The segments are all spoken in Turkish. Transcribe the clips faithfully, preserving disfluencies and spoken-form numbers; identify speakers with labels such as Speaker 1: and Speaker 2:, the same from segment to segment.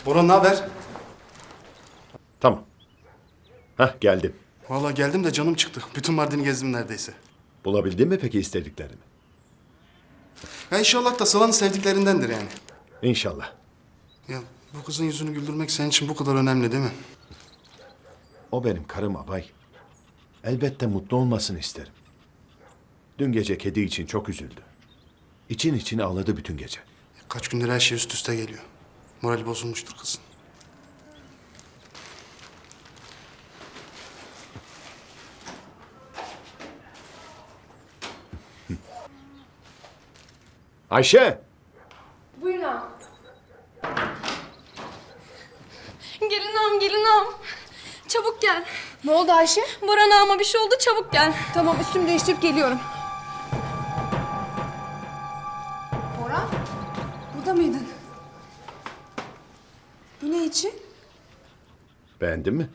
Speaker 1: Orhan ne haber?
Speaker 2: Tamam. Hah, geldim.
Speaker 1: Vallahi geldim de canım çıktı. Bütün Mardin'i gezdim neredeyse.
Speaker 2: Bulabildin mi peki istediklerini?
Speaker 1: Ya inşallah da Sıla'nın sevdiklerindendir yani.
Speaker 2: İnşallah.
Speaker 1: Ya bu kızın yüzünü güldürmek senin için bu kadar önemli değil mi?
Speaker 2: O benim karım abay. Elbette mutlu olmasını isterim. Dün gece kedi için çok üzüldü. İçin içine ağladı bütün gece.
Speaker 1: Kaç gündür her şey üst üste geliyor. Morali bozulmuştur kızın.
Speaker 2: Ayşe!
Speaker 3: Buyurun ağam. Gelin ağam, gelin ağam. Çabuk gel.
Speaker 4: Ne oldu Ayşe?
Speaker 3: Boran ağama bir şey oldu, çabuk gel.
Speaker 4: Tamam, üstümü değiştirip geliyorum. Bora, burada mıydın? Bu ne için?
Speaker 2: Beğendin mi?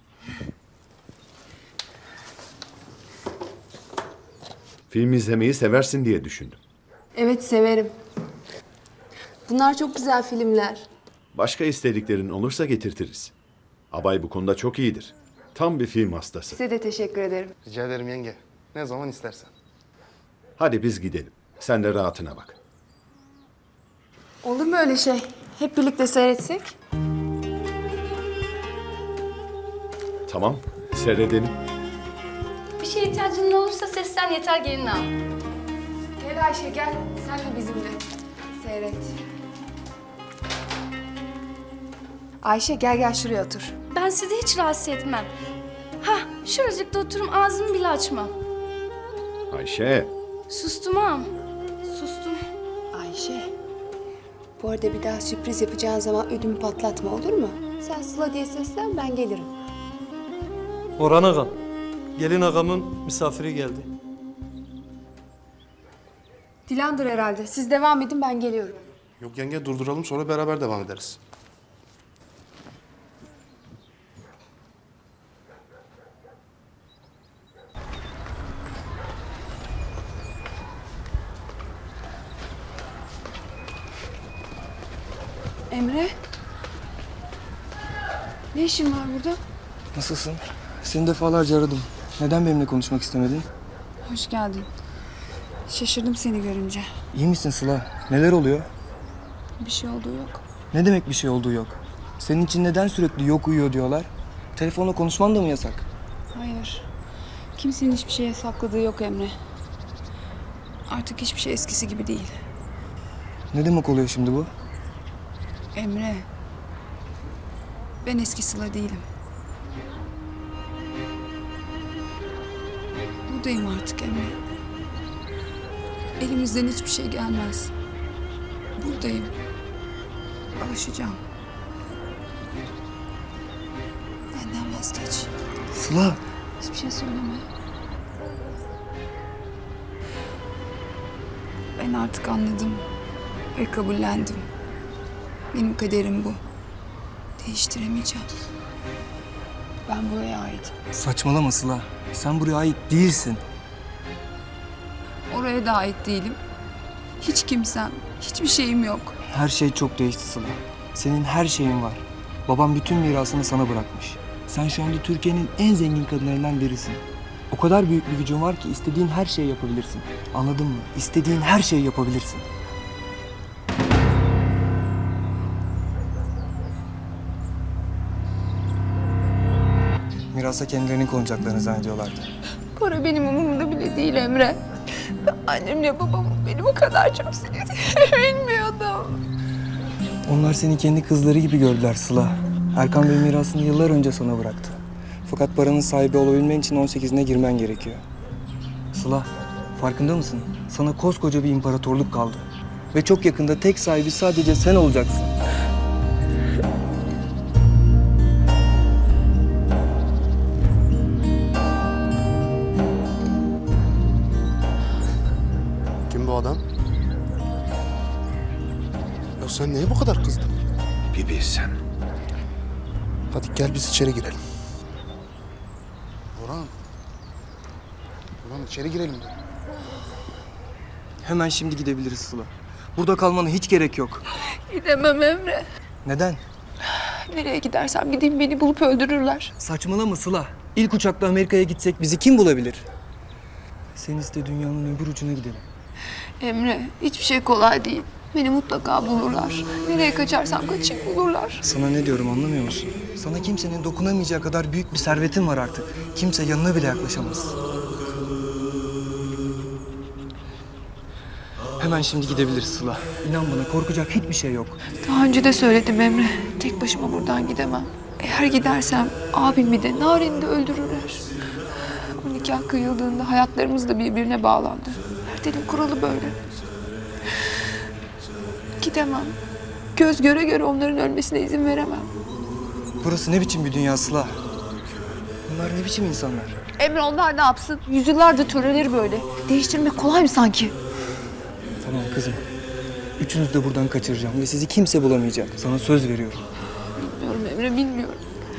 Speaker 2: Film izlemeyi seversin diye düşündüm.
Speaker 4: Evet, severim. Bunlar çok güzel filmler.
Speaker 2: Başka istediklerin olursa getirtiriz. Abay bu konuda çok iyidir. Tam bir film hastası.
Speaker 4: Size de teşekkür ederim.
Speaker 1: Rica ederim yenge. Ne zaman istersen.
Speaker 2: Hadi biz gidelim. Sen de rahatına bak.
Speaker 4: Olur mu öyle şey? Hep birlikte seyretsek?
Speaker 2: Tamam, seyredelim.
Speaker 3: Bir şeye ihtiyacın olursa seslen yeter gelin ağam.
Speaker 4: Gel Ayşe, gel. Sen de bizimle. Seyret. Ayşe, gel gel şuraya otur.
Speaker 3: Ben sizi hiç rahatsız etmem. Hah, şuracıkta oturum ağzımı bile açmam.
Speaker 2: Ayşe,
Speaker 3: Sustum ağam, sustum.
Speaker 4: Ayşe, bu arada bir daha sürpriz yapacağın zaman ödümü patlatma, olur mu? Sen Sıla diye seslen, ben gelirim.
Speaker 5: Orhan ağam, gelin ağamın misafiri geldi.
Speaker 4: Dilan'dır herhalde. Siz devam edin, ben geliyorum.
Speaker 1: Yok yenge durduralım sonra beraber devam ederiz.
Speaker 4: Emre? Ne işin var burada?
Speaker 6: Nasılsın? Seni defalarca aradım. Neden benimle konuşmak istemedin?
Speaker 4: Hoş geldin. Şaşırdım seni görünce.
Speaker 6: İyi misin Sıla? Neler oluyor?
Speaker 4: Bir şey olduğu yok.
Speaker 6: Ne demek bir şey olduğu yok? Senin için neden sürekli yok uyuyor diyorlar? Telefonla konuşman da mı yasak?
Speaker 4: Hayır. Kimsenin hiçbir şeye sakladığı yok Emre. Artık hiçbir şey eskisi gibi değil.
Speaker 6: Ne demek oluyor şimdi bu?
Speaker 4: Emre. Ben eski Sıla değilim. Buradayım artık Emre. Elimizden hiçbir şey gelmez. Buradayım. Alışacağım. Benden vazgeç.
Speaker 6: Sıla!
Speaker 4: Hiçbir şey söyleme. Ben artık anladım ve kabullendim. Benim kaderim bu. Değiştiremeyeceğim. Ben buraya ait.
Speaker 6: Saçmalama Sıla. Sen buraya ait değilsin.
Speaker 4: Oraya da ait değilim. Hiç kimsem, hiçbir şeyim yok.
Speaker 6: Her şey çok değişti Sıla. Senin her şeyin var. Babam bütün mirasını sana bırakmış. Sen şu anda Türkiye'nin en zengin kadınlarından birisin. O kadar büyük bir gücün var ki istediğin her şeyi yapabilirsin. Anladın mı? İstediğin her şeyi yapabilirsin. Mirasa kendilerinin konacaklarını zannediyorlardı.
Speaker 4: Para benim umurumda bile değil Emre. Ben annemle babamın beni bu kadar çok sevdiğini bilmiyordum.
Speaker 6: Onlar seni kendi kızları gibi gördüler Sıla. Erkan Bey mirasını yıllar önce sana bıraktı. Fakat paranın sahibi olabilmen için on sekizine girmen gerekiyor. Sıla, farkında mısın? Sana koskoca bir imparatorluk kaldı. Ve çok yakında tek sahibi sadece sen olacaksın.
Speaker 1: Kim bu adam? Ya sen niye bu kadar kızdın?
Speaker 2: Bir bilsen.
Speaker 1: Hadi gel biz içeri girelim. Orhan. Orhan içeri girelim.
Speaker 6: Hemen şimdi gidebiliriz Sıla. Burada kalmana hiç gerek yok.
Speaker 4: Gidemem Emre.
Speaker 6: Neden?
Speaker 4: Nereye gidersem gideyim beni bulup öldürürler.
Speaker 6: Saçmalama Sıla. İlk uçakla Amerika'ya gitsek bizi kim bulabilir? Sen iste dünyanın öbür ucuna gidelim.
Speaker 4: Emre, hiçbir şey kolay değil. Beni mutlaka bulurlar. Nereye kaçarsam kaçayım bulurlar.
Speaker 6: Sana ne diyorum anlamıyor musun? Sana kimsenin dokunamayacağı kadar büyük bir servetin var artık. Kimse yanına bile yaklaşamaz. Hemen şimdi gidebiliriz Sıla. İnan bana korkacak hiçbir şey yok.
Speaker 4: Daha önce de söyledim Emre. Tek başıma buradan gidemem. Eğer gidersem abimi de Naren'i de öldürürler. O nikah kıyıldığında hayatlarımız da birbirine bağlandı. Ertel'in kuralı böyle. Gidemem. Göz göre göre onların ölmesine izin veremem.
Speaker 6: Burası ne biçim bir dünya Sıla? Bunlar ne biçim insanlar?
Speaker 4: Emre onlar ne yapsın? Yüzyıllardır töreleri böyle. Değiştirmek kolay mı sanki?
Speaker 6: Tamam kızım. Üçünüzü de buradan kaçıracağım ve sizi kimse bulamayacak. Sana söz veriyorum.
Speaker 4: Bilmiyorum Emre, bilmiyorum.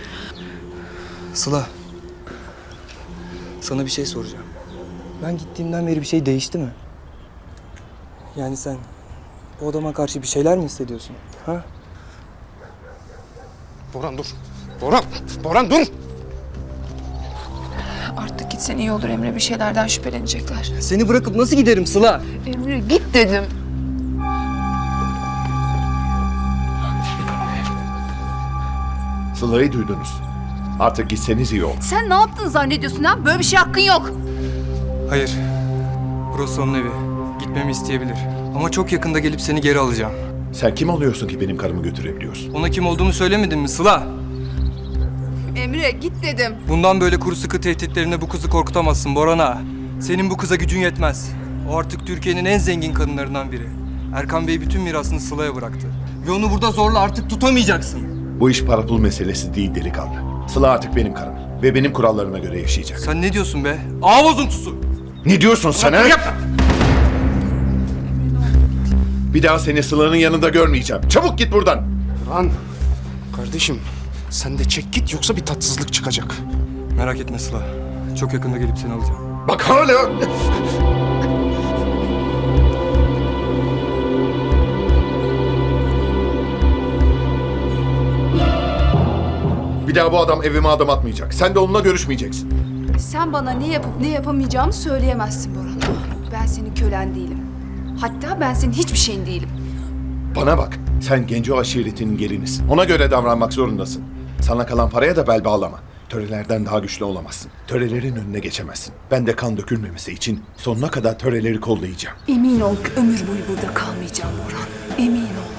Speaker 6: Sıla. Sana bir şey soracağım. Ben gittiğimden beri bir şey değişti mi? Yani sen bu adama karşı bir şeyler mi hissediyorsun? Ha?
Speaker 1: Boran dur. Boran, Boran dur.
Speaker 4: Artık gitsen iyi olur Emre. Bir şeylerden şüphelenecekler.
Speaker 6: Seni bırakıp nasıl giderim Sıla?
Speaker 4: Emre git dedim.
Speaker 2: Sıla'yı duydunuz. Artık gitseniz iyi olur.
Speaker 3: Sen ne yaptın zannediyorsun ha? Böyle bir şey hakkın yok.
Speaker 6: Hayır. Burası onun evi. Gitmemi isteyebilir. Ama çok yakında gelip seni geri alacağım.
Speaker 2: Sen kim oluyorsun ki benim karımı götürebiliyorsun?
Speaker 6: Ona kim olduğumu söylemedin mi Sıla?
Speaker 3: Emre git dedim.
Speaker 6: Bundan böyle kuru sıkı tehditlerine bu kızı korkutamazsın Boran ağa. Senin bu kıza gücün yetmez. O artık Türkiye'nin en zengin kadınlarından biri. Erkan Bey bütün mirasını Sıla'ya bıraktı. Ve onu burada zorla artık tutamayacaksın.
Speaker 2: Bu iş para pul meselesi değil delikanlı. Sıla artık benim karım ve benim kurallarıma göre yaşayacak.
Speaker 6: Sen ne diyorsun be? Ağa bozuntusu!
Speaker 2: Ne diyorsun sen ha? Bir daha seni Sıla'nın yanında görmeyeceğim. Çabuk git buradan.
Speaker 1: Boran, kardeşim sen de çek git yoksa bir tatsızlık çıkacak.
Speaker 6: Merak etme Sıla. Çok yakında gelip seni alacağım.
Speaker 2: Bak hala... Bir daha bu adam evime adım atmayacak. Sen de onunla görüşmeyeceksin.
Speaker 3: Sen bana ne yapıp ne yapamayacağımı söyleyemezsin Boran. Ben senin kölen değilim. Hatta ben senin hiçbir şeyin değilim.
Speaker 2: Bana bak, sen Genco aşiretinin gelinisin. Ona göre davranmak zorundasın. Sana kalan paraya da bel bağlama. Törelerden daha güçlü olamazsın. Törelerin önüne geçemezsin. Ben de kan dökülmemesi için sonuna kadar töreleri kollayacağım.
Speaker 3: Emin ol ki ömür boyu burada kalmayacağım Boran. Emin ol.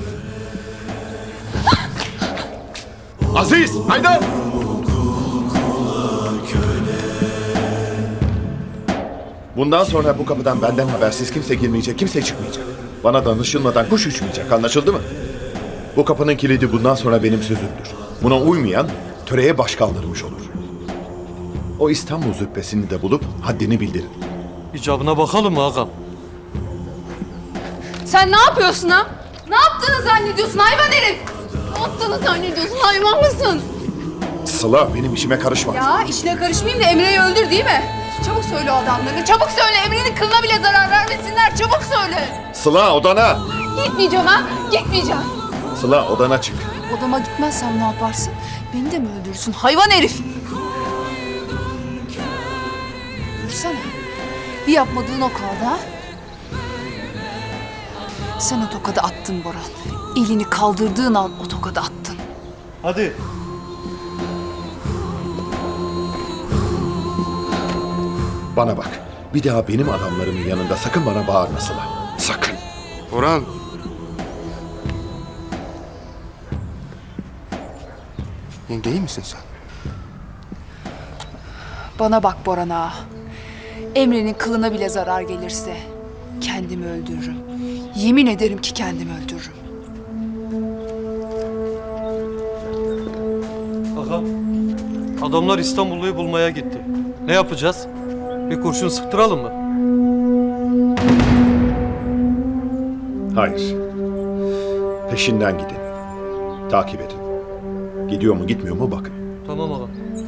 Speaker 2: Aziz, Haydar! Bundan sonra bu kapıdan benden habersiz kimse girmeyecek, kimse çıkmayacak. Bana danışılmadan kuş uçmayacak, anlaşıldı mı? Bu kapının kilidi bundan sonra benim sözümdür. Buna uymayan töreye baş kaldırmış olur. O İstanbul züppesini de bulup haddini bildirin.
Speaker 5: İcabına bakalım mı ağam?
Speaker 3: Sen ne yapıyorsun ha? Ne yaptığını zannediyorsun hayvan herif? Ne yaptığını zannediyorsun hayvan mısın?
Speaker 2: Sıla, benim işime karışma.
Speaker 3: Ya işine karışmayayım da Emre'yi öldür değil mi? Çabuk söyle o adamlarına. Çabuk söyle Emre'nin kılına bile zarar vermesinler. Çabuk söyle.
Speaker 2: Sıla, odana!
Speaker 3: Gitmeyeceğim ha. Gitmeyeceğim.
Speaker 2: Sıla, odana çık.
Speaker 3: Odama gitmezsem ne yaparsın? Beni de mi öldürürsün hayvan herif? Dursana. Bir yapmadığın o kaldı ha? Sen o tokadı attın Boran. Elini kaldırdığın an o tokadı attın.
Speaker 5: Hadi.
Speaker 2: Bana bak, bir daha benim adamlarımın yanında sakın bana bağırma Sıla. Sakın.
Speaker 1: Boran. Yenge iyi misin sen?
Speaker 3: Bana bak Boran ağa. Emre'nin kılına bile zarar gelirse kendimi öldürürüm. Yemin ederim ki kendimi öldürürüm.
Speaker 5: Ağam, adamlar İstanbullu'yu bulmaya gitti. Ne yapacağız? Bir kurşun sıktıralım mı?
Speaker 2: Hayır. Peşinden gidin. Takip edin. Gidiyor mu gitmiyor mu bakın.
Speaker 5: Tamam ağam.